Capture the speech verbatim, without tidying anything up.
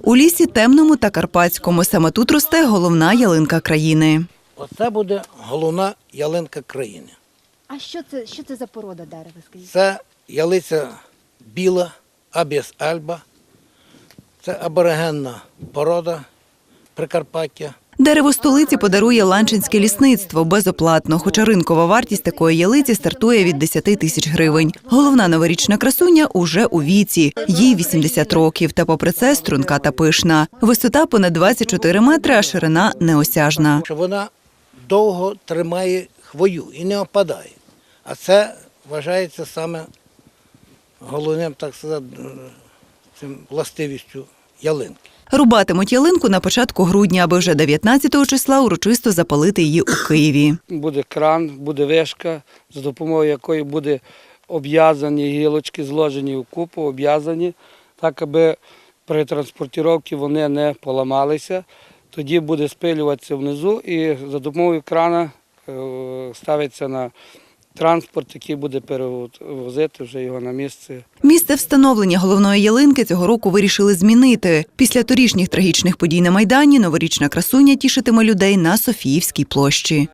У лісі Темному та Карпатському саме тут росте головна ялинка країни. Оце буде головна ялинка країни. А що це, що це за порода дерева, скажіть? Це ялиця біла, абіс альба. Це аборигенна порода Прикарпаття. Дерево столиці подарує Ланчинське лісництво безоплатно, хоча ринкова вартість такої ялиці стартує від десяти тисяч гривень. Головна новорічна красуня уже у віці. Їй вісімдесят років, та попри це струнка та пишна. Висота понад двадцять чотири метри, а ширина неосяжна. Що вона довго тримає хвою і не опадає. А це вважається саме головним, так сказати, цим властивістю ялинки. Рубатимуть ялинку на початку грудня, аби вже дев'ятнадцятого числа урочисто запалити її у Києві. Буде кран, буде вишка, за допомогою якої буде обв'язані гілочки, зложені в купу, обв'язані, так, аби при транспортуванні вони не поламалися. Тоді буде спилюватися внизу і за допомогою крана ставиться на транспорт, який буде перевозити вже його на місце. Місце встановлення головної ялинки цього року вирішили змінити. Після торішніх трагічних подій на Майдані новорічна красуня тішитиме людей на Софіївській площі.